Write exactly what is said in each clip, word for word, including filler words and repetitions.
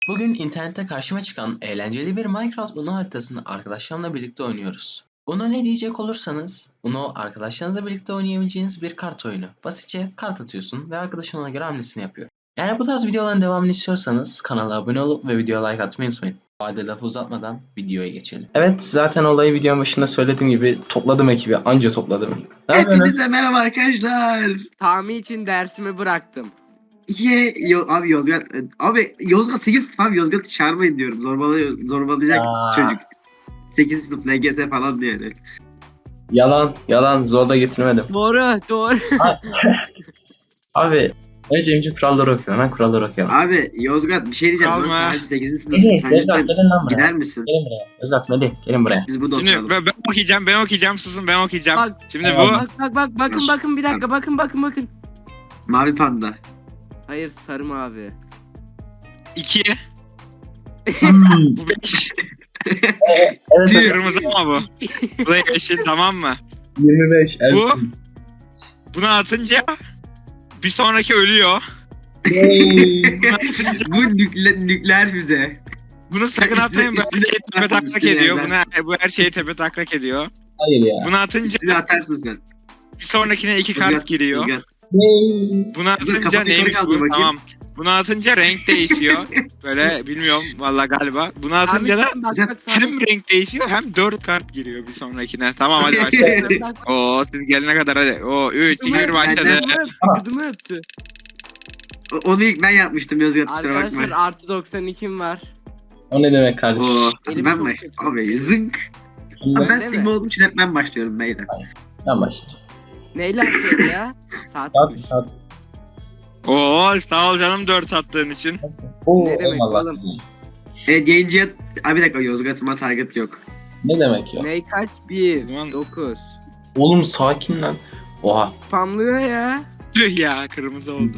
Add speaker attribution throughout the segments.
Speaker 1: Bugün internette karşıma çıkan eğlenceli bir Minecraft Uno haritasını arkadaşlarımla birlikte oynuyoruz. Uno ne diyecek olursanız, Uno arkadaşlarınızla birlikte oynayabileceğiniz bir kart oyunu. Basitçe kart atıyorsun ve arkadaşın ona göre hamlesini yapıyor. Eğer bu tarz videoların devamını istiyorsanız kanala abone olup ve videoya like atmayı unutmayın. Hadi lafı uzatmadan videoya geçelim. Evet, zaten olayı videonun başında söylediğim gibi topladım ekibi, anca topladım. Ne yapıyorsunuz?
Speaker 2: Hepinize merhaba arkadaşlar.
Speaker 3: Tahmin için dersimi bıraktım.
Speaker 2: Ye, yo, abi Yozgat abi Yozgat sekiz sınıf abi Yozgat'ı çağırmayın diyorum. Zorbalay zorbalayacak
Speaker 1: Aa.
Speaker 2: çocuk. sekiz sınıf L G S falan diye. Yani.
Speaker 1: Yalan, yalan, zorla getirmedim.
Speaker 3: Doğru, doğru.
Speaker 1: Abi, önce önce kuralları okuyalım. Hemen kuralları okuyalım.
Speaker 2: Abi Yozgat bir şey diyeceğim.
Speaker 4: Kalma.
Speaker 2: Lan sen sekizinci sınıfsın.
Speaker 1: Melih,
Speaker 2: Sen
Speaker 1: Özgat
Speaker 2: lütfen
Speaker 1: gelin lan buraya.
Speaker 2: gider misin?
Speaker 1: Gelin buraya. Özgat, Melih, gelin buraya.
Speaker 2: Biz burada
Speaker 4: Şimdi
Speaker 2: oturalım.
Speaker 4: ben, ben okuyacağım, ben okuyacağım, susun ben okuyacağım.
Speaker 3: Bak,
Speaker 4: Şimdi
Speaker 1: Tamam.
Speaker 4: bu
Speaker 3: bak bak bak bakın bakın bir dakika bakın bakın bakın.
Speaker 2: Mavi panda.
Speaker 3: Hayır sarı mavi.
Speaker 4: iki,
Speaker 1: Hmm.
Speaker 4: bu beş,
Speaker 1: Evet,
Speaker 2: Tüh.
Speaker 4: kırmızı ama bu. Bu da yeşil, tamam mı?
Speaker 1: yirmi beş Ersin.
Speaker 4: Bunu atınca bir sonraki ölüyor. Bunu atınca,
Speaker 2: Bu nükle, nükleer füze.
Speaker 4: bunu sakın
Speaker 2: Üstüne-
Speaker 4: atmayın, bu her
Speaker 2: üstüne
Speaker 4: şeyi tepe
Speaker 2: yazarsın,
Speaker 4: taklak
Speaker 2: üstüne
Speaker 4: ediyor.
Speaker 2: yazarsın.
Speaker 4: Bunu, bu her şeyi tepe taklak ediyor.
Speaker 1: Hayır ya.
Speaker 4: Bunu atınca
Speaker 2: Üstüne atarsın sen.
Speaker 4: bir sonrakine iki
Speaker 2: Yozgat,
Speaker 4: kart giriyor.
Speaker 2: Yozgat.
Speaker 4: Bunu
Speaker 2: Dur,
Speaker 4: atınca
Speaker 2: kapat,
Speaker 4: neymiş
Speaker 2: yukarı
Speaker 4: bu?
Speaker 2: kaldır bakayım.
Speaker 4: Tamam. Bunu atınca renk değişiyor. Böyle bilmiyorum valla galiba. Bunu atınca da
Speaker 3: Abi, bak bak
Speaker 4: hem
Speaker 3: sarı.
Speaker 4: renk değişiyor hem dört kart giriyor bir sonrakine. Tamam hadi başlayalım.
Speaker 3: Bak,
Speaker 4: Oo siz gelene kadar hadi. Oo üç, iki, bir başladı.
Speaker 3: Kıdımı öptü, kıdımı öptü.
Speaker 2: O- Onu ilk ben yapmıştım Yozgat, kusura
Speaker 3: Arkadaşlar
Speaker 2: bakma.
Speaker 3: artı doksan ikim var.
Speaker 1: O ne demek kardeşim?
Speaker 2: Oo,
Speaker 3: Elim
Speaker 2: ben
Speaker 3: çok
Speaker 2: baş...
Speaker 3: kötü.
Speaker 2: Abi zınk.
Speaker 1: Şimdi
Speaker 2: Abi ben
Speaker 3: Değil
Speaker 2: Sigma
Speaker 3: mi?
Speaker 2: olduğum için hep ben başlıyorum beyler.
Speaker 1: ben başlayacağım.
Speaker 3: Neyle atıyoruz ya? Saat.
Speaker 1: Saat, saat.
Speaker 4: Oo sağ ol canım dört attığın için.
Speaker 1: Oo,
Speaker 3: Ne demek
Speaker 1: eyvallah
Speaker 3: oğlum?
Speaker 1: güzel.
Speaker 2: Evet yayıncıya... Abi bir dakika, Yozgat'ıma target yok.
Speaker 1: Ne demek ya?
Speaker 3: Ney kaç? bir,
Speaker 4: Ulan.
Speaker 3: dokuz.
Speaker 1: Oğlum sakin lan. Oha.
Speaker 3: Spamlıyor ya.
Speaker 4: Tüh ya kırmızı oldu.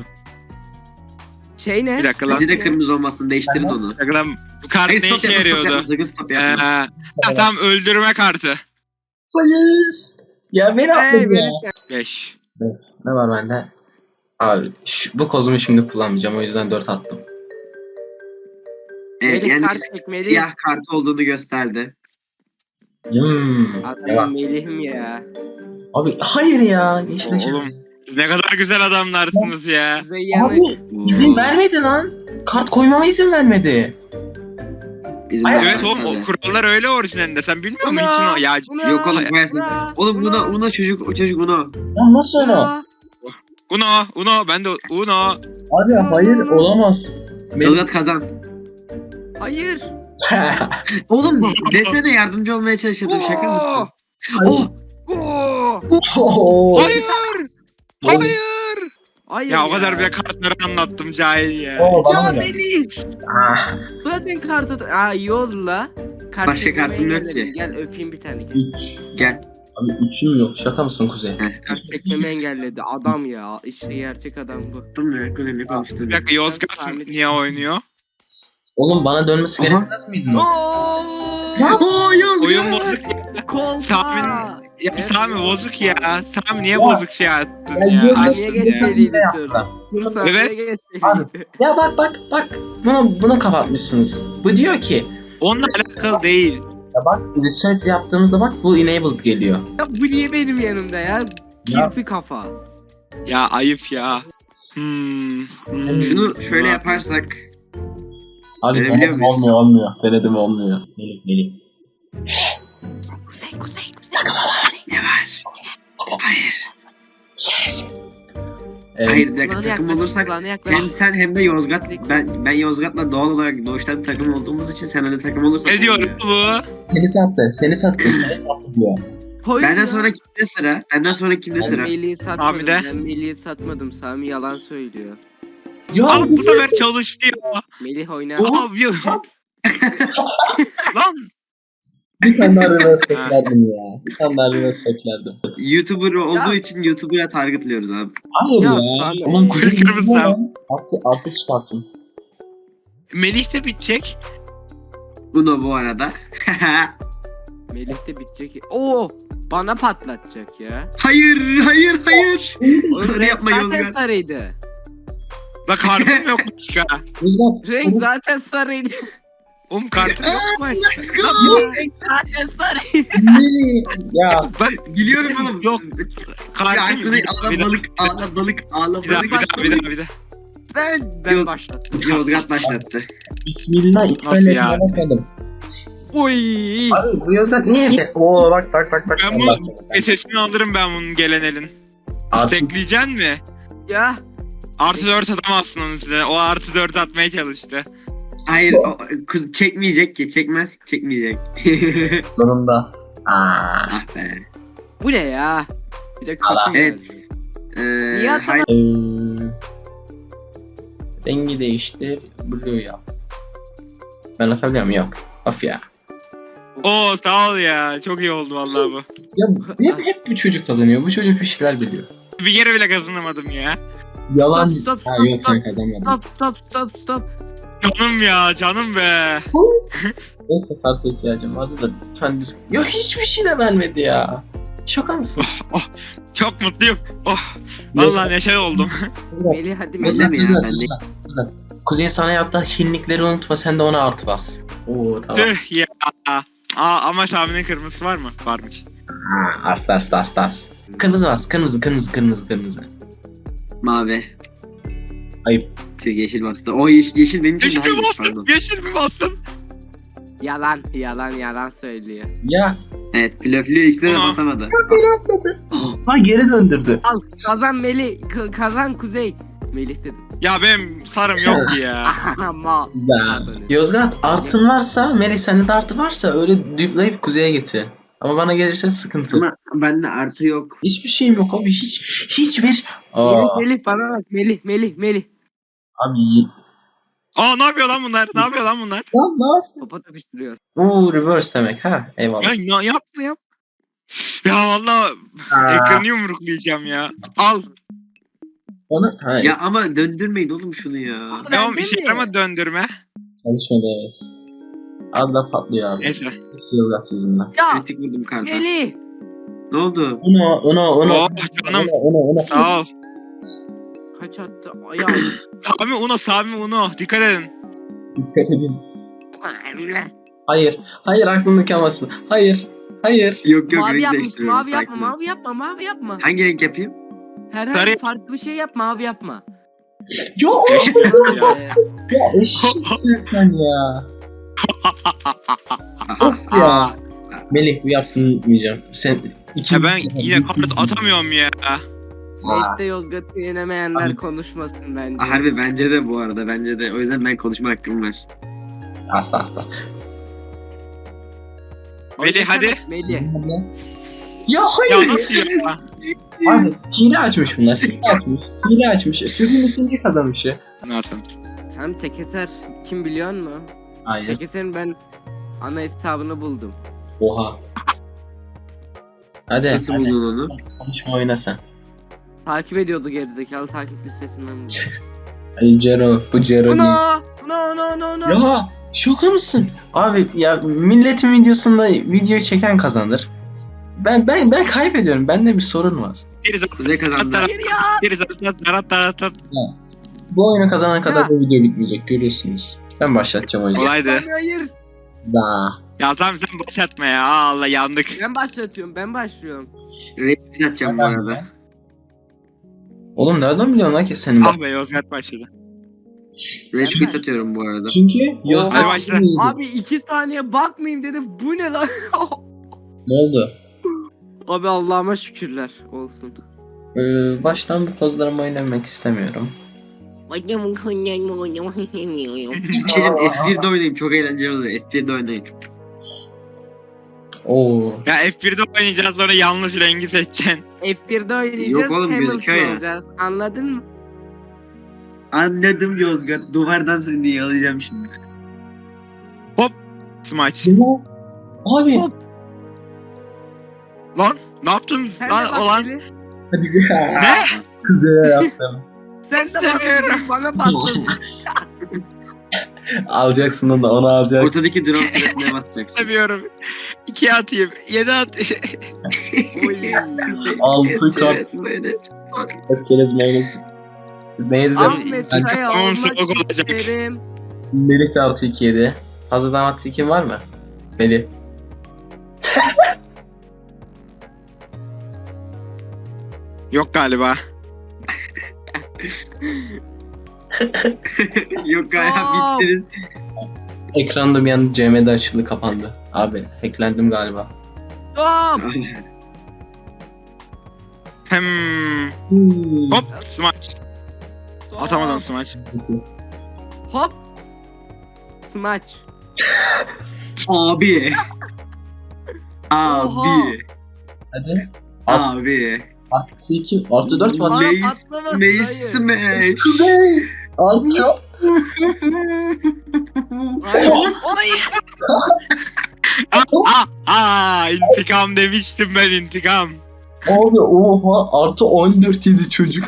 Speaker 3: Şey ne?
Speaker 4: Bir dakika lan.
Speaker 2: Bence de kırmızı olmasın, değiştirin onu.
Speaker 4: Bir dakika lan, bu kart
Speaker 2: Hayır
Speaker 4: ne
Speaker 2: stop
Speaker 4: işe
Speaker 2: yapma, stop
Speaker 4: yarıyordu?
Speaker 2: yapma, sakın stop
Speaker 4: Ee,
Speaker 2: yapma.
Speaker 4: ha, tamam öldürme kartı.
Speaker 1: Hayır. Ya beni
Speaker 3: Hey,
Speaker 1: affedin ya.
Speaker 3: Melih,
Speaker 4: beş.
Speaker 1: Evet, ne var bende? Abi şu, bu kozumu şimdi kullanmayacağım, o yüzden dört attım.
Speaker 2: Evet,
Speaker 3: Melih
Speaker 2: yani
Speaker 3: kart çekmeli.
Speaker 2: siyah kartı olduğunu gösterdi.
Speaker 1: Hmm. Ne var?
Speaker 3: Adam Melih'im ya.
Speaker 1: Abi hayır ya. Yeşile çevir.
Speaker 4: Oğlum siz ne kadar güzel adamlarsınız ya.
Speaker 3: Kuzey yanı.
Speaker 1: Abi izin vermedi lan. Kart koymama izin vermedi.
Speaker 2: Bizim
Speaker 1: Ay,
Speaker 4: Evet oğlum
Speaker 2: arkadaşlar.
Speaker 4: o kurallar öyle orijinalinde. Sen bilmiyor musun
Speaker 3: Uno,
Speaker 4: için o ya?
Speaker 3: Uno,
Speaker 2: Yok oğlum, versin.
Speaker 3: Uno,
Speaker 2: Oğlum
Speaker 3: Uno,
Speaker 2: buna buna çocuk o çocuk bunu.
Speaker 1: Ya nasıl öyle?
Speaker 3: Uno.
Speaker 4: Uno, Uno, ben de Uno.
Speaker 1: Abi hayır olamaz. Melih.
Speaker 2: Yozgat kazan.
Speaker 3: Hayır.
Speaker 2: Oğlum desene, yardımcı olmaya çalışıyordum, şaka mısın? Oh!
Speaker 3: Oo.
Speaker 1: Oo.
Speaker 4: Hayır, hayır.
Speaker 3: Hayır
Speaker 4: Ya o kadar bile kartları anlattım cahil ya.
Speaker 1: Oo, bana
Speaker 3: Ya
Speaker 1: mı geldi?
Speaker 3: Melih.
Speaker 1: Ah,
Speaker 3: Zaten kartı... Aa iyi oldu la. Kart
Speaker 2: Başka
Speaker 3: çekmeyi
Speaker 2: kartım yok
Speaker 3: engelledin.
Speaker 2: ki.
Speaker 3: Gel öpeyim bir tane. Gel.
Speaker 1: üç.
Speaker 2: Gel.
Speaker 1: Abi üçüm yok. Şaka mısın Kuzey?
Speaker 2: Heh,
Speaker 3: Kart çekmemi engelledi. Adam ya. İşte gerçek adam bu.
Speaker 2: Yaptım ya, kuzenle konuştum.
Speaker 4: Bir dakika Yozgat
Speaker 3: Sabit.
Speaker 4: niye oynuyor?
Speaker 1: Oğlum bana dönmesi
Speaker 2: Aha.
Speaker 1: gerekmez miydi? mi?
Speaker 2: Oo Yozgat!
Speaker 4: Oyun bozuk ya.
Speaker 3: Kolpa.
Speaker 4: Tahmin- Ya
Speaker 3: Evet,
Speaker 4: Sami
Speaker 3: ya.
Speaker 4: bozuk ya. Sami niye
Speaker 1: Ya.
Speaker 4: bozuk şey attın
Speaker 1: Ya
Speaker 4: ya?
Speaker 1: Yozgat
Speaker 3: Niye
Speaker 1: geçen
Speaker 3: geçmediydi
Speaker 1: sene
Speaker 3: tur?
Speaker 1: yaptılar.
Speaker 3: Dur sen
Speaker 4: Evet.
Speaker 3: niye geçmedin?
Speaker 1: Abi. Ya bak bak bak. Bunu, bunu kapatmışsınız. Bu diyor ki
Speaker 4: Onunla alakalı değil.
Speaker 1: ya bak reset yaptığımızda bak bu enabled geliyor.
Speaker 3: Ya bu niye benim yanımda ya?
Speaker 1: Ya.
Speaker 3: Kirpi kafa.
Speaker 4: Ya ayıp ya. Hmm. hmm.
Speaker 2: Şunu şöyle yaparsak.
Speaker 1: Abi
Speaker 2: Verebiliyor
Speaker 1: denedim
Speaker 2: muyuz?
Speaker 1: olmuyor olmuyor. Denedim olmuyor. Melih Melih.
Speaker 3: Kuzey kuzey kuzey.
Speaker 2: Ne var? Hayır.
Speaker 1: Evet.
Speaker 2: Hayır bir dakika,
Speaker 3: Kulağına
Speaker 2: takım
Speaker 3: yaklaş,
Speaker 2: olursak
Speaker 3: kulağına yaklaş.
Speaker 2: hem sen hem de Yozgat, ben ben Yozgat'la doğal olarak doğuştan takım olduğumuz için sen de takım olursak
Speaker 4: Ne diyor
Speaker 2: olmuyor.
Speaker 4: bu?
Speaker 1: Seni sattı. Seni sattı. Seni sattı diyor.
Speaker 3: Hayır
Speaker 2: Benden
Speaker 3: ya.
Speaker 2: sonra kimde sıra? Benden sonra kimde
Speaker 3: Ben
Speaker 2: sıra?
Speaker 3: Melih'i satmadım.
Speaker 4: Abi de.
Speaker 3: Ben Melih'i satmadım. Sami yalan söylüyor.
Speaker 1: Ya
Speaker 4: Abi bu
Speaker 1: bu
Speaker 4: sefer
Speaker 1: nasıl?
Speaker 4: çalıştı ya.
Speaker 3: Melih oynar.
Speaker 2: Oha.
Speaker 4: Abi ya. Lan.
Speaker 1: Bir tane daha reverse beklerdim ya. Bir tane daha reverse beklerdim.
Speaker 2: YouTuber olduğu
Speaker 3: Ya.
Speaker 2: için YouTuber'a targetlıyoruz abi.
Speaker 1: Hayır
Speaker 3: Ya
Speaker 1: ya.
Speaker 3: Sami.
Speaker 1: Oğlum Kuzey
Speaker 4: Kırmızı
Speaker 1: yüzüne
Speaker 4: sen.
Speaker 1: lan. Artı, artı çıkartın.
Speaker 4: Melih de bitecek.
Speaker 2: Uno bu arada.
Speaker 3: Melih de bitecek. Oo, bana patlatacak ya.
Speaker 2: Hayır, hayır, hayır.
Speaker 3: Oğlum,
Speaker 2: Sarı
Speaker 3: renk
Speaker 2: yapma
Speaker 3: zaten
Speaker 2: Yozgat.
Speaker 3: sarıydı.
Speaker 4: La kartım yok başka.
Speaker 1: Yozgat.
Speaker 3: Renk
Speaker 1: senin-
Speaker 3: zaten sarıydı.
Speaker 4: Oğlum kartım yok mu?
Speaker 2: Let's go.
Speaker 3: Renk zaten sarıydı.
Speaker 1: Melih. Ya.
Speaker 4: Bak
Speaker 2: Biliyorum oğlum.
Speaker 4: yok.
Speaker 2: Ya
Speaker 4: Kartım
Speaker 2: Aykut'u
Speaker 4: bir
Speaker 2: ağla
Speaker 4: bir daha
Speaker 2: balık, ağla balık, ağla
Speaker 4: bir daha bir
Speaker 2: balık.
Speaker 4: daha bir daha bir daha.
Speaker 3: Ben ben
Speaker 2: Yok.
Speaker 3: başlattım.
Speaker 2: Yozgat başlattı.
Speaker 1: Bismillah. İki
Speaker 4: Nasıl
Speaker 1: saniye
Speaker 4: yani?
Speaker 1: bakmadım.
Speaker 3: Oy.
Speaker 1: Abi bu Yozgat niye Efes? Oo bak bak bak bak.
Speaker 4: Ben
Speaker 1: Allah
Speaker 4: bunun sesini alırım ben bunun gelen elin.
Speaker 1: Artık
Speaker 4: Tekleyeceksin mi?
Speaker 3: Ya.
Speaker 4: Artı dört atamazsın onun üstüne. O artı dört atmaya çalıştı.
Speaker 2: Hayır, o, kız çekmeyecek ki. Çekmez, çekmeyecek.
Speaker 1: sonunda. Aa.
Speaker 2: Ah be.
Speaker 3: Bu ne ya? Bir de
Speaker 1: Allah.
Speaker 3: kötü
Speaker 2: Evet.
Speaker 3: geldi.
Speaker 2: Ee,
Speaker 3: Niye atamadın?
Speaker 2: hayır.
Speaker 1: Ee, rengi değiştir. Blue yap. Ben atabiliyor muyum? Yok. Of ya.
Speaker 4: Oo sağ ol ya. Çok iyi oldu vallahi bu.
Speaker 1: Ya hep, hep bu çocuk kazanıyor. Bu çocuk bir şeyler biliyor.
Speaker 4: Bir kere bile kazanamadım ya.
Speaker 1: Yalan.
Speaker 3: Stop, stop,
Speaker 1: Ha
Speaker 3: stop,
Speaker 1: yok sen
Speaker 3: stop.
Speaker 1: kazanmadın.
Speaker 3: Stop stop stop stop.
Speaker 4: Canım ya canım be.
Speaker 1: Neyse karta ihtiyacım vardı da lütfen düz... Ya hiçbir şey de vermedi ya. Şaka mısın?
Speaker 4: Çok mutluyum. Oh. Vallahi neşe oldum.
Speaker 3: Melih hadi Melih.
Speaker 1: Özlet,
Speaker 2: mi ya?
Speaker 1: Özlet,
Speaker 2: Ben de-
Speaker 1: Özlet, Özlet. Kuzey sana yaptığı hinlikleri unutma, sen de ona artı bas. Oo tamam.
Speaker 4: Tüh ya. Aa ama Sami'nin kırmızısı var mı? Varmış.
Speaker 1: Ha, asla asla asla as. Kırmızı bas, kırmızı, kırmızı, kırmızı, kırmızı.
Speaker 2: Mavi.
Speaker 1: Ayıp.
Speaker 2: Tüh, yeşil bastı. O yeşil, yeşil benim için
Speaker 4: Yeşil
Speaker 2: daha
Speaker 4: mi
Speaker 2: iyi.
Speaker 4: bastın?
Speaker 2: Pardon.
Speaker 4: Yeşil mi bastın?
Speaker 3: Yalan yalan yalan söylüyor.
Speaker 1: Ya.
Speaker 2: Evet, blöflü ikisine de
Speaker 4: Aa.
Speaker 2: basamadı.
Speaker 1: Ha geri döndürdü.
Speaker 3: Al kazan Melih k- kazan Kuzey. Melih dedim.
Speaker 4: Ya benim sarım yok ki ya.
Speaker 3: Ama.
Speaker 1: Güzel. Yozgat artın varsa, Melih sende de artı varsa öyle düplayıp kuzeye getir. Ama bana gelirse sıkıntı.
Speaker 2: Ama bende artı yok.
Speaker 1: Hiçbir şeyim yok abi, hiç hiçbir.
Speaker 3: Melih,
Speaker 1: Aa,
Speaker 3: Melih bana bak Melih Melih Melih.
Speaker 1: abi.
Speaker 4: Aa ne yapıyor lan bunlar? Ne yapıyor lan bunlar?
Speaker 1: Lan ne yap?
Speaker 3: Topa tokuşturuyor.
Speaker 1: Oo reverse demek ha. Eyvallah.
Speaker 4: Ya, ya yapma yap. Ya vallahi
Speaker 1: Aa,
Speaker 4: ekranı yumruklayacağım ya. Al.
Speaker 1: Onu ha,
Speaker 2: Ya ama döndürmeyin oğlum şunu ya.
Speaker 3: Ben
Speaker 4: Devam
Speaker 3: de
Speaker 4: işe
Speaker 3: mi?
Speaker 4: yarama döndürme.
Speaker 1: çalışmadı evet. Allah patlıyor abi.
Speaker 4: Neyse.
Speaker 1: Hepsi Yozgat yüzünden.
Speaker 3: Ya
Speaker 2: Kritik vurdum karta.
Speaker 3: Melih.
Speaker 2: Ne oldu?
Speaker 1: Uno, uno, uno.
Speaker 4: Oh canım.
Speaker 1: Uno, uno, uno.
Speaker 4: Sağ ol.
Speaker 3: Kaç attı? Ya.
Speaker 4: Sami Uno, Sami Uno. Dikkat edin.
Speaker 1: Dikkat edin. Hayır, hayır aklımda kalmasın. Hayır, hayır.
Speaker 2: Yok yok,
Speaker 3: mavi
Speaker 2: renk
Speaker 3: yapmış.
Speaker 2: değiştiriyorum.
Speaker 3: Mavi yapma,
Speaker 2: sakin ol.
Speaker 3: mavi yapma, mavi yapma.
Speaker 2: Hangi renk yapayım?
Speaker 3: Herhangi
Speaker 4: Sarı-
Speaker 3: farklı bir şey yap, mavi yapma.
Speaker 1: Ya,
Speaker 4: Ya.
Speaker 3: Ee,
Speaker 1: ya eşitsin sen ya. Of ya. Melih bu yaptığını unutmayacağım. Sen ikinci
Speaker 4: Ya ben
Speaker 1: sefer
Speaker 4: yine kart
Speaker 1: ikinci-
Speaker 4: atamıyorum ya.
Speaker 1: Aa,
Speaker 3: Neyse Yozgat'ı yenemeyenler
Speaker 1: Abi-
Speaker 3: konuşmasın bence.
Speaker 2: Harbi bence de bu arada, bence de. O yüzden ben konuşma hakkım var.
Speaker 1: Asla asla.
Speaker 4: Melih
Speaker 3: Oynasana,
Speaker 4: hadi.
Speaker 3: Melih.
Speaker 1: Ya
Speaker 4: Ya
Speaker 1: hayır.
Speaker 4: nasıl ya?
Speaker 1: Abi hile açmış bunlar. Hile açmış. Hile açmış. Çocuğun ikinci kazanmışı.
Speaker 4: Ne yapayım?
Speaker 3: Sen Tekeser kim biliyor musun?
Speaker 1: Hayır.
Speaker 3: Tekeser'in ben ana hesabını buldum.
Speaker 1: Oha. Hadi.
Speaker 2: Nasıl
Speaker 1: hadi.
Speaker 2: buldun onu?
Speaker 1: Konuşma oyna sen.
Speaker 3: Takip ediyordu gerizekalı takip listesinden buldum.
Speaker 1: Ay Cero. Bu Cero değil.
Speaker 3: No! No no no no!
Speaker 1: Ya şoka mısın? Abi ya milletin videosunda video çeken kazanır. Ben ben ben kaybediyorum. Bende bir sorun var.
Speaker 4: Bir
Speaker 2: Kuzey kazandı.
Speaker 3: Hayır ya!
Speaker 4: Bir zaten tarat tarat tarat.
Speaker 1: Bu oyunu kazanan kadar
Speaker 3: Ya.
Speaker 1: bu video bitmeyecek görüyorsunuz. Ben başlatacağım o yüzden.
Speaker 4: Kolaydı.
Speaker 3: Hayır, hayır.
Speaker 1: Za.
Speaker 4: Ya tamam sen başlatma ya. Aa, Allah yandık.
Speaker 3: Ben başlatıyorum ben başlıyorum.
Speaker 2: Renk atacağım bu arada.
Speaker 1: Oğlum nereden biliyorsun lan ki senin
Speaker 4: Ah
Speaker 1: bak?
Speaker 4: be Yozgat başladı.
Speaker 2: Renk atıyorum bu arada.
Speaker 1: Çünkü
Speaker 4: Hadi
Speaker 1: Yozgat
Speaker 4: başla.
Speaker 1: iyiydi.
Speaker 3: Abi iki saniye bakmayayım dedim bu ne lan?
Speaker 1: Ne oldu?
Speaker 3: Abi Allah'ıma şükürler olsun.
Speaker 1: Ee, baştan bu kozlarımı oynamak istemiyorum.
Speaker 2: Bir şey diyeyim, F bir'de oynayayım, çok eğlenceli oluyor. F bir'de oynayın.
Speaker 1: Oo.
Speaker 4: Ya F bir'de oynayacağız sonra yanlış rengi seçeceksin.
Speaker 3: F bir'de oynayacağız
Speaker 2: Yok oğlum, gözüküyor
Speaker 3: Hamilton
Speaker 2: ya.
Speaker 3: olacağız. Anladın mı?
Speaker 2: Anladım Yozgat. Duvardan seni diye alacağım şimdi.
Speaker 4: Smaç.
Speaker 1: Ya. Abi.
Speaker 3: Hop.
Speaker 4: Lan ne yaptın
Speaker 3: Sen de
Speaker 4: lan
Speaker 3: bak
Speaker 4: olan?
Speaker 3: Melih.
Speaker 1: Hadi ya.
Speaker 4: Ne?
Speaker 1: Kuzeye yaptım.
Speaker 3: Sen de bak
Speaker 4: İstemiyorum.
Speaker 3: bana patlasın.
Speaker 1: Alacaksın onu, onu alacaksın.
Speaker 2: Ortadaki drone süresine basacaksın.
Speaker 4: Seviyorum. İki atayım. Yedi atayım.
Speaker 3: Oy.
Speaker 1: Altı kart.
Speaker 2: Süresine oynayacağım.
Speaker 1: Biraz çerez mayonez. Neydi de
Speaker 3: Ahmet
Speaker 1: Ben-
Speaker 3: Kaya
Speaker 4: Tamam,
Speaker 3: olmak
Speaker 4: soğuk olacak.
Speaker 3: isterim.
Speaker 1: Melih de artı iki yedi. Fazladan artı ikin var mı? Melih.
Speaker 4: Yok galiba.
Speaker 2: Yok galiba
Speaker 3: Aa!
Speaker 2: bittiniz.
Speaker 1: Ekranım yandı, C M'de açıldı kapandı. Abi hacklendim galiba.
Speaker 3: Stop.
Speaker 4: Hem
Speaker 1: Hmm.
Speaker 4: hop smaç. Atamadım smaç.
Speaker 3: Hop. Smaç.
Speaker 2: Abi. Abi.
Speaker 1: Hadi.
Speaker 2: Abi.
Speaker 1: Artı iki, artı dört mü atacak?
Speaker 3: Bana
Speaker 2: Neyi
Speaker 3: patlamasın,
Speaker 2: neyi
Speaker 3: hayır.
Speaker 2: smash?
Speaker 1: Kuzey! Artı.
Speaker 3: Hayır. Oy.
Speaker 4: Aa, aa, intikam demiştim ben intikam.
Speaker 1: Abi oha, artı on dört yedi çocuk.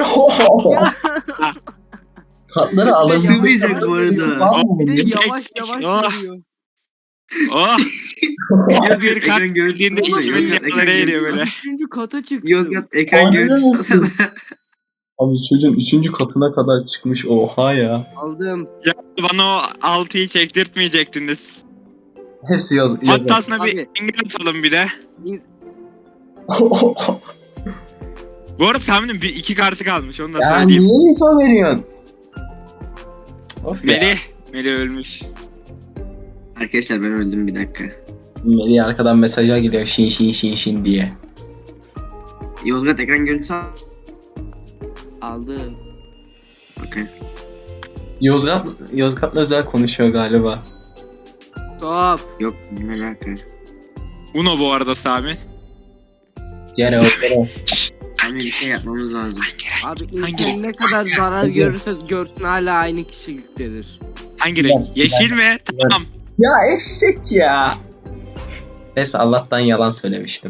Speaker 1: Kartları alabilecek
Speaker 2: Sığmayacak bu arada.
Speaker 1: sesi var mı
Speaker 3: Bir de
Speaker 1: bunun?
Speaker 3: yavaş yavaş
Speaker 4: Oh.
Speaker 3: vuruyor.
Speaker 4: Oh.
Speaker 2: Yozgat
Speaker 4: Bir kart
Speaker 2: ekran görüntüsü
Speaker 4: bildiğinde
Speaker 2: alsana,
Speaker 4: içimin
Speaker 2: Yozgat ekran
Speaker 4: yanları eriyor
Speaker 2: görüntüsü
Speaker 4: böyle.
Speaker 2: al.
Speaker 3: Üçüncü kata çıktım.
Speaker 2: Yozgat ekran
Speaker 1: Aynen
Speaker 2: görüntüsü
Speaker 1: olsun.
Speaker 2: alsana.
Speaker 1: Abi çocuğun üçüncü katına kadar çıkmış, oha ya.
Speaker 3: Aldım.
Speaker 4: Ya bana o altıyı çektirtmeyecektiniz.
Speaker 1: Hepsi yaz.
Speaker 4: Hatta aslında bir
Speaker 3: Abi.
Speaker 4: engel atalım bir de.
Speaker 3: İn-
Speaker 4: Bu arada tahminim bir iki kartı kalmış onu da
Speaker 1: Ya
Speaker 4: söyleyeyim.
Speaker 1: niye info veriyorsun? Of ya.
Speaker 4: Melih. Melih ölmüş.
Speaker 2: Arkadaşlar ben öldüm bir dakika.
Speaker 1: Melih arkadan mesaja geliyor şin şin şin şin diye.
Speaker 2: Yozgat ekran görüntüsü al.
Speaker 3: Aldım.
Speaker 2: Okey.
Speaker 1: Yozgat, Yozgat'la özel konuşuyor galiba.
Speaker 3: Stop.
Speaker 2: Yok ne alaka.
Speaker 4: Uno bu arada Sami.
Speaker 1: Cere o.
Speaker 2: Hani bir şey yapmamız lazım.
Speaker 3: Abi
Speaker 4: Hangi
Speaker 3: insan ne kadar zarar
Speaker 1: Kızım.
Speaker 3: görürse görsün hala aynı kişiliktedir.
Speaker 4: Hangi
Speaker 1: Ben-
Speaker 4: renk? Yeşil mi? Tamam.
Speaker 1: Ya eşek ya. Neyse Allah'tan yalan söylemiştim.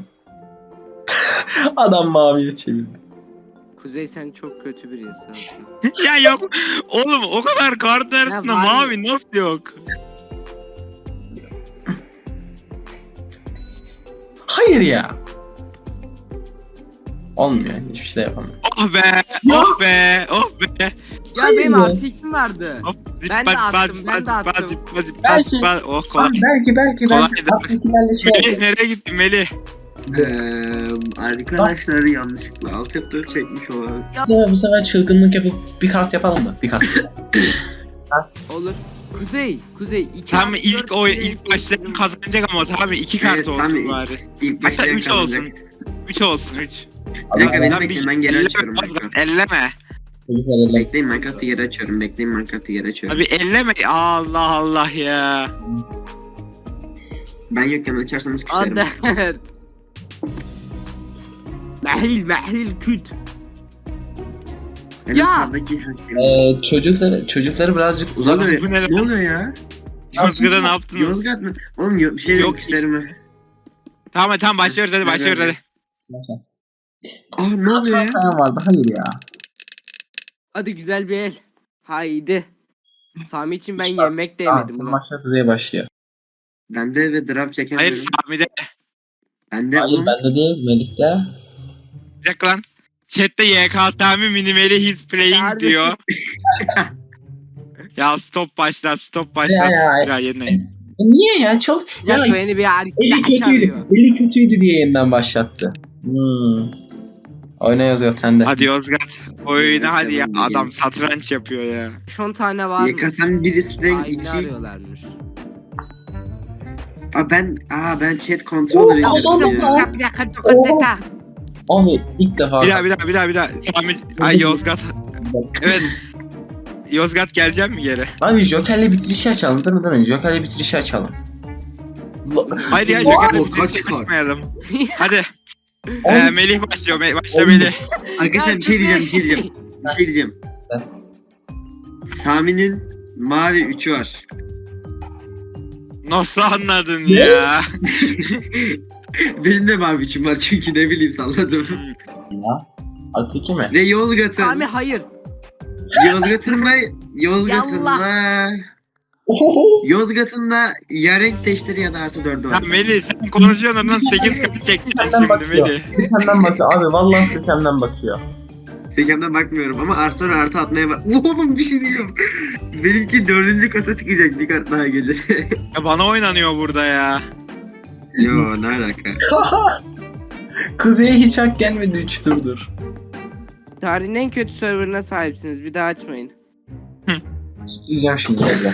Speaker 1: Adam maviye çevirdi.
Speaker 3: Kuzey sen çok kötü bir insansın.
Speaker 4: Ya yok. Oğlum o kadar kart arasında
Speaker 3: var
Speaker 4: mavi nasıl yok?
Speaker 1: Hayır ya. Olmuyor. Hiçbir şey yapamam.
Speaker 4: Oh be.
Speaker 1: Ya.
Speaker 4: Oh be. Oh be.
Speaker 3: Ya
Speaker 1: Hayır
Speaker 3: benim
Speaker 1: ya.
Speaker 3: artı ikim vardı.
Speaker 4: Hop, zip,
Speaker 3: Ben de
Speaker 4: baz, baz,
Speaker 3: attım, ben de
Speaker 4: baz,
Speaker 3: attım.
Speaker 4: baz, zip, baz, zip,
Speaker 1: Belki-
Speaker 4: baz, baz. Oh kolay.
Speaker 1: Abi belki belki
Speaker 4: Kolay
Speaker 1: belki
Speaker 4: da-
Speaker 1: Afrikilerle şey
Speaker 4: Melih
Speaker 1: yapıyor.
Speaker 4: nereye gittin Melih?
Speaker 2: Eee arkadaşlar yanlışlıkla alt F dört çekmiş olan.
Speaker 1: Bu sefer, bu sefer çılgınlık yapıp bir kart yapalım mı? Bir kart.
Speaker 3: Olur. Kuzey, Kuzey. iki
Speaker 4: Tam
Speaker 3: artı
Speaker 4: ilk
Speaker 3: dört
Speaker 4: o
Speaker 3: Kuzey
Speaker 4: ilk başta
Speaker 3: ekledim.
Speaker 4: kazanacak ama tabii iki kart
Speaker 2: Evet,
Speaker 4: olsun
Speaker 2: Sami.
Speaker 4: bari.
Speaker 2: İlk
Speaker 4: Hatta
Speaker 2: başta
Speaker 4: üç olsun.
Speaker 2: yakalanacak.
Speaker 4: Üç olsun üç.
Speaker 2: Bir dakika beni
Speaker 4: Lan bir-
Speaker 2: bekleyin ben geri
Speaker 4: elleme,
Speaker 2: açıyorum.
Speaker 4: Ozgat,
Speaker 2: Minecraft.
Speaker 4: Elleme.
Speaker 2: Bekleyin Minecraft'ı geri açıyorum. Bekleyin Minecraft'ı geri açıyorum.
Speaker 4: Abi elleme. Allah Allah ya.
Speaker 2: Ben yokken açarsanız küserim.
Speaker 3: Adet. Mehil, mehil, küt.
Speaker 2: Benim
Speaker 3: Ya!
Speaker 2: kardaki
Speaker 1: Ee, çocukları çocukları birazcık
Speaker 2: Ne
Speaker 1: uzak.
Speaker 2: oluyor?
Speaker 4: Bu ne lan?
Speaker 2: Ne oluyor ya?
Speaker 4: Yozgat'a ne yaptınız?
Speaker 2: Yozgat mı? Oğlum yo- bir şey
Speaker 4: Yok,
Speaker 2: yok küserime.
Speaker 4: Tamam tamam başlıyoruz hadi başlıyoruz hadi.
Speaker 2: Ah ne oluyor ya?
Speaker 1: Sen vardı. Hayır ya.
Speaker 3: Hadi güzel bir el. Haydi. Sami için ben
Speaker 1: İki kart.
Speaker 3: yemek de
Speaker 1: Tamam,
Speaker 3: yemedim.
Speaker 1: tüm
Speaker 3: lan.
Speaker 1: maçlar kuzeye başlıyor.
Speaker 2: Bende ve draft
Speaker 4: Hayır
Speaker 2: çekemiyorum.
Speaker 4: Sami'de.
Speaker 2: Bende
Speaker 1: Hayır
Speaker 2: oğlum.
Speaker 1: bende değil, Melih'te.
Speaker 4: Bir dakika lan. Chat'te Y K Sami minimeli his playing
Speaker 3: Harbi.
Speaker 4: diyor. Ya stop başlat stop
Speaker 1: Ya,
Speaker 4: başlat.
Speaker 1: ya.
Speaker 4: Ya yeniden.
Speaker 1: E niye ya? Çal.
Speaker 3: Ya,
Speaker 1: Ya
Speaker 3: beni bir
Speaker 1: eli
Speaker 3: arkadaş
Speaker 1: kötüydü.
Speaker 3: arıyor.
Speaker 1: Eli kötüydü diye yeniden başlattı. Hmm. Oyna Yozgat sen de.
Speaker 4: Hadi Yozgat. Oyna hadi ya.
Speaker 2: Canım,
Speaker 4: Adam
Speaker 2: gelsin.
Speaker 4: satranç yapıyor ya.
Speaker 3: on tane var mı?
Speaker 2: Y K sen birisi
Speaker 3: Aynı
Speaker 2: iki.
Speaker 3: arıyorlarmış.
Speaker 2: Aa ben aa ben chat kontrol
Speaker 1: Oo, kazandım
Speaker 2: ediyorum
Speaker 1: lan.
Speaker 2: ya.
Speaker 3: Bir dakika, bir dakika,
Speaker 1: Oo.
Speaker 3: bir dakika.
Speaker 1: Abi ilk defa.
Speaker 4: Bir daha bir daha bir daha bir daha. Sami. Ay Yozgat. Evet. Yozgat geleceğim mi geri?
Speaker 1: Abi Joker'le bitirişi açalım. Dur dur Joker'le bitirişi açalım.
Speaker 4: Haydi ya
Speaker 2: Oo,
Speaker 4: Joker'le
Speaker 2: kaç
Speaker 4: bir
Speaker 2: kart?
Speaker 4: çıkmayalım. Hadi. Ee,
Speaker 1: Oğlum.
Speaker 4: Melih başlıyor. Me- Başla
Speaker 1: Oğlum.
Speaker 4: Melih.
Speaker 2: Arkadaşlar bir şey diyeceğim bir şey diyeceğim. Bir şey diyeceğim.
Speaker 1: Ha.
Speaker 2: Sami'nin mavi üçü var.
Speaker 4: Nasıl anladın
Speaker 1: Ne?
Speaker 4: ya?
Speaker 2: Benim de mavi üçüm var çünkü ne bileyim salladım.
Speaker 1: Ya. Artı iki mi?
Speaker 2: Ve Yozgat'ın.
Speaker 3: Sami hayır.
Speaker 2: Yozgat'ın da Yozgat'ın da Yozgat'ın da ya renk değiştir ya da artı dördü
Speaker 4: Ya
Speaker 2: var.
Speaker 4: Melih sen konuşuyorsun ondan sekiz katı çektin
Speaker 1: Furkan'dan
Speaker 4: şimdi
Speaker 1: bakıyor.
Speaker 4: Melih.
Speaker 1: Furkan'dan bakıyor. Abi vallahi Furkan'dan bakıyor.
Speaker 2: Tekrardan bakmıyorum ama artı sonra artı atmaya bak. Oğlum bir şey diyeyim. Benimki dördüncü kata çıkacak bir kart daha gelirse.
Speaker 4: Ya bana oynanıyor burada ya.
Speaker 2: Yo ne alaka?
Speaker 1: Kuzey'e hiç hak gelmedi üç turdur.
Speaker 3: Tarihin en kötü serverına sahipsiniz. Bir daha açmayın.
Speaker 1: Diyeceğim şimdi biraz.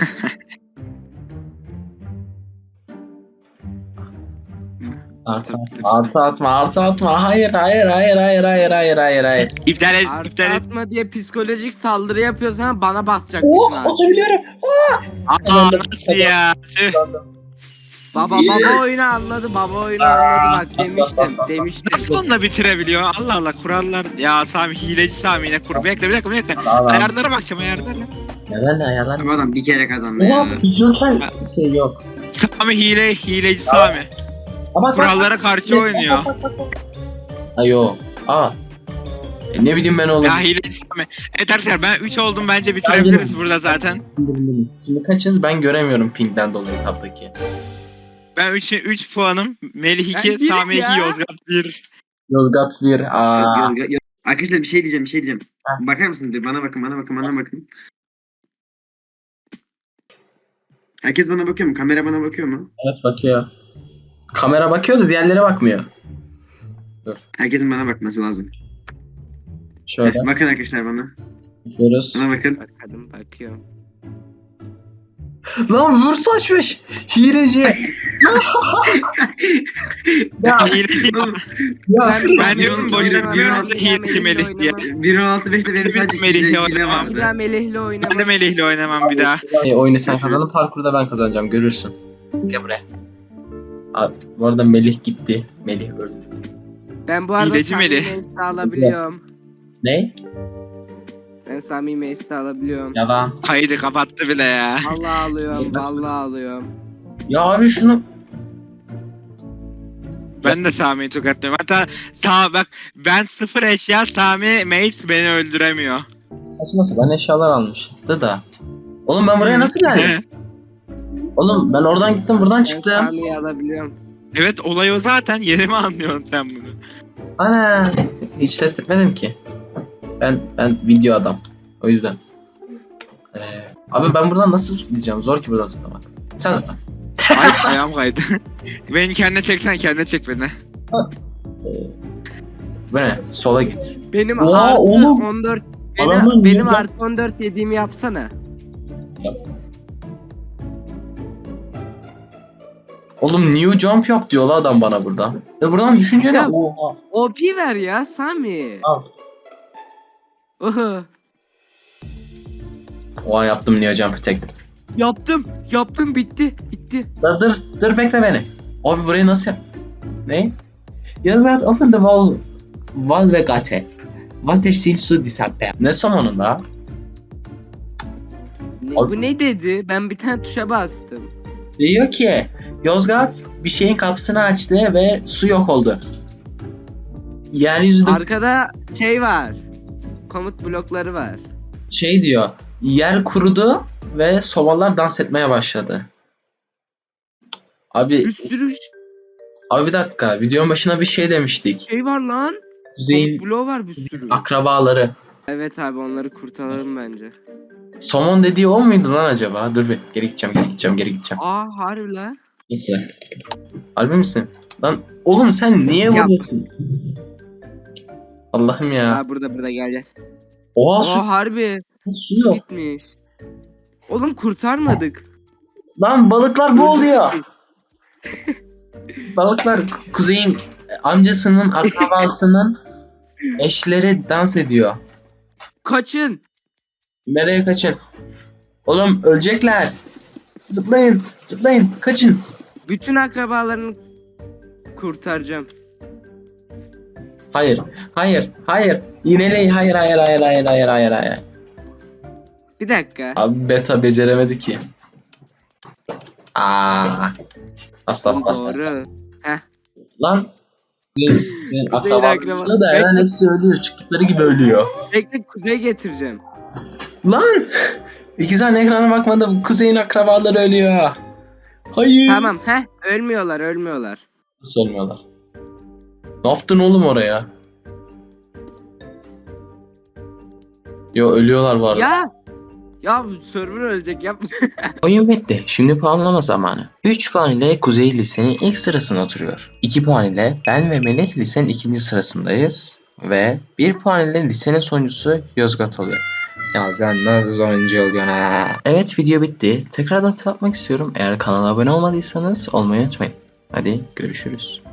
Speaker 1: Artı atma, artı atma, artı atma. Hayır, hayır, hayır, hayır, hayır, hayır, hayır, hayır.
Speaker 4: İptal et,
Speaker 3: Artı
Speaker 4: iptal et.
Speaker 3: atma diye psikolojik saldırı yapıyorsan ama bana basacak.
Speaker 1: Oo,
Speaker 3: bütün abi.
Speaker 1: atabiliyorum.
Speaker 4: Aa
Speaker 1: Kazandım,
Speaker 4: nasıl ya? Tüh.
Speaker 3: Baba
Speaker 1: Yes.
Speaker 3: baba oyunu anladı. Baba oyunu anladı bak
Speaker 1: bas, bas, bas,
Speaker 3: demiştim.
Speaker 1: bas, bas.
Speaker 3: Demiştim.
Speaker 4: Nasıl onunla bitirebiliyor? Allah Allah kurallar. Ya Sami hileci Sami yine kur. Bir dakika bir dakika bir dakika.
Speaker 1: Adam,
Speaker 4: Ayarlara bakacağım ayarlara.
Speaker 1: neden ayarlar?
Speaker 2: Ama adam bir kere kazandı
Speaker 1: Oha,
Speaker 2: ya.
Speaker 1: Joker şey yok.
Speaker 4: Sami hile hileci Sami.
Speaker 1: Aa, bak,
Speaker 4: Kurallara
Speaker 1: bak,
Speaker 4: karşı
Speaker 1: bak,
Speaker 4: oynuyor.
Speaker 1: bak, bak, bak. Aa yok. Aa. E, ne bileyim ben oğlum.
Speaker 4: Ya hileci Sami. Evet arkadaşlar ben üç oldum bence bitirebiliriz burada zaten.
Speaker 1: Bildim, bildim. Şimdi kaçız ben göremiyorum pingden dolayı tabdaki.
Speaker 4: Ben üç üç puanım. Melih
Speaker 3: Ben
Speaker 4: iki,
Speaker 3: birim
Speaker 4: Sami iki,
Speaker 3: ya.
Speaker 4: Yozgat bir.
Speaker 1: Yozgat bir. Aa.
Speaker 2: Yok, yok, yok. Arkadaşlar bir şey diyeceğim bir şey diyeceğim.
Speaker 1: Ha.
Speaker 2: Bakar mısınız bir bana bakın bana bakın bana bakın. Herkes bana bakıyor mu? Kamera bana bakıyor mu?
Speaker 1: Evet bakıyor. Kamera bakıyor da diğerlere bakmıyor.
Speaker 2: Herkesin bana bakması lazım.
Speaker 1: Şöyle
Speaker 2: Bakın arkadaşlar bana.
Speaker 1: bakıyoruz.
Speaker 2: Bana bakın.
Speaker 3: Bakalım bakıyorum.
Speaker 1: Lan vur saçmış. Hileci. ya
Speaker 4: Hileci.
Speaker 2: Oğlum,
Speaker 1: ya.
Speaker 4: Ben diyorum
Speaker 2: Bir-
Speaker 4: boşuna
Speaker 2: bir-
Speaker 4: diyorum
Speaker 2: bir-
Speaker 4: da hileci Melih diye.
Speaker 2: bir nokta altı beşte benim
Speaker 4: Biz
Speaker 2: sadece
Speaker 4: Melih'le
Speaker 2: hile, hile
Speaker 4: oynamam.
Speaker 3: Bir daha
Speaker 2: vardı.
Speaker 3: Melih'le
Speaker 4: Ben de
Speaker 3: oynamam.
Speaker 4: Melih'le oynamam bir daha.
Speaker 1: E, oyunu sen kazandın, parkurda ben kazanacağım, görürsün. Gel buraya. Abi, bu arada Melih gitti. Melih öldü.
Speaker 3: Ben bu arada
Speaker 4: Hileci
Speaker 3: Sami
Speaker 4: Melih.
Speaker 3: Meclis'i alabiliyorum.
Speaker 1: Ne?
Speaker 3: Ben Sami Meclis'i alabiliyorum.
Speaker 1: Yalan.
Speaker 4: Kaydı kapattı bile ya.
Speaker 3: Vallahi alıyorum. Vallahi alıyorum.
Speaker 1: Ya abi şunu.
Speaker 4: Ben de Sami'yi tokatlıyorum. Hatta ta bak ben sıfır eşya Sami Mace beni öldüremiyor.
Speaker 1: Saçma sapan eşyalar almıştı da. Oğlum ben buraya nasıl geldim? Oğlum ben oradan gittim buradan
Speaker 3: Ben
Speaker 1: çıktım.
Speaker 3: Sami'yi alabiliyorum.
Speaker 4: Evet olay o zaten. Yeni mi anlıyorsun sen bunu?
Speaker 1: Ana. Hiç test etmedim ki. Ben ben video adam. O yüzden. Ee, abi ben buradan nasıl zıplayacağım? Zor ki buradan zıplamak. Sen zıpla.
Speaker 4: Ay ayağım kaydı. Beni kendine çeksen kendine çek beni.
Speaker 1: Ee, bu ne? Sola git.
Speaker 3: Benim
Speaker 1: Oha,
Speaker 3: artı
Speaker 1: oğlum.
Speaker 3: on dört
Speaker 1: Adamın
Speaker 3: benim, benim
Speaker 1: ninja-
Speaker 3: artı on dört yediğimi yapsana.
Speaker 1: Oğlum new jump yap diyor la adam bana burada. E buradan düşünce ne?
Speaker 3: Ya-
Speaker 1: Oha.
Speaker 3: O P ver ya Sami.
Speaker 1: Al.
Speaker 3: Oho.
Speaker 1: Oha yaptım new jump tek.
Speaker 3: Yaptım. Yaptım bitti. Bitti.
Speaker 1: Dur dur dur bekle beni. Abi burayı nasıl yap? Ne? Yazat open the wall wall ve gate. Water seems to disappear. Ne sonunda?
Speaker 3: Ne,
Speaker 1: Abi-
Speaker 3: bu ne dedi? Ben bir tane tuşa bastım.
Speaker 1: Diyor ki Yozgat bir şeyin kapısını açtı ve su yok oldu. Yeryüzünde
Speaker 3: Arkada şey var. Komut blokları var.
Speaker 1: şey diyor. Yer kurudu ve sobalar dans etmeye başladı. Abi
Speaker 3: Bir sürü
Speaker 1: abi bir dakika. Videonun başına bir şey demiştik.
Speaker 3: şey var lan.
Speaker 1: Kuzey'in
Speaker 3: Komut bloğu var bir sürü.
Speaker 1: akrabaları.
Speaker 3: Evet abi onları kurtaralım bence.
Speaker 1: Somon dediği o muydu lan acaba? Dur bir geri gideceğim, geri gideceğim, geri gideceğim.
Speaker 3: Aa harbi lan.
Speaker 1: Nasıl? Harbi misin? Lan oğlum sen niye
Speaker 3: Yap.
Speaker 1: vuruyorsun? Allah'ım ya.
Speaker 3: Aa burada burada gel gel.
Speaker 1: Oha su,
Speaker 3: Aa harbi.
Speaker 1: su yok.
Speaker 3: Gitmiş. Oğlum kurtarmadık.
Speaker 1: Lan balıklar boğuluyor. Balıklar Kuzey'in amcasının akrabasının eşleri dans ediyor.
Speaker 3: Kaçın.
Speaker 1: Nereye kaçın? Oğlum ölecekler. Zıplayın, zıplayın, kaçın.
Speaker 3: Bütün akrabalarını kurtaracağım.
Speaker 1: Hayır, hayır, hayır. Yineleyin, hayır, hayır, hayır, hayır, hayır, hayır, hayır.
Speaker 3: Bir dakika.
Speaker 1: Abi beta beceremedi ki. Aa. Asla asla asla asla.
Speaker 3: Doğru. Heh.
Speaker 1: Lan. Senin, senin akrabalarında
Speaker 3: akraba-
Speaker 1: da hemen hepsi ölüyor. Çıktıkları gibi ölüyor.
Speaker 3: Bekle kuzey getireceğim.
Speaker 1: Lan. İki tane ekrana bakmadım. Kuzey'in akrabaları ölüyor. Hayır.
Speaker 3: Tamam heh. Ölmüyorlar ölmüyorlar.
Speaker 1: Nasıl ölmüyorlar? Ne yaptın oğlum oraya? Yo, ölüyorlar bu arada.
Speaker 3: Ya. Ya bu server ölecek yapma.
Speaker 1: Oyun bitti. Şimdi puanlama zamanı. üç puan ile Kuzey lisenin ilk sırasına oturuyor. iki puan ile ben ve Melih lisenin ikinci sırasındayız. Ve bir puan ile lisenin sonuncusu Yozgat oluyor. Ya sen nasıl sonuncu oluyorsun ha? Evet, video bitti. Tekrardan hatırlatmak istiyorum. Eğer kanala abone olmadıysanız olmayı unutmayın. Hadi görüşürüz.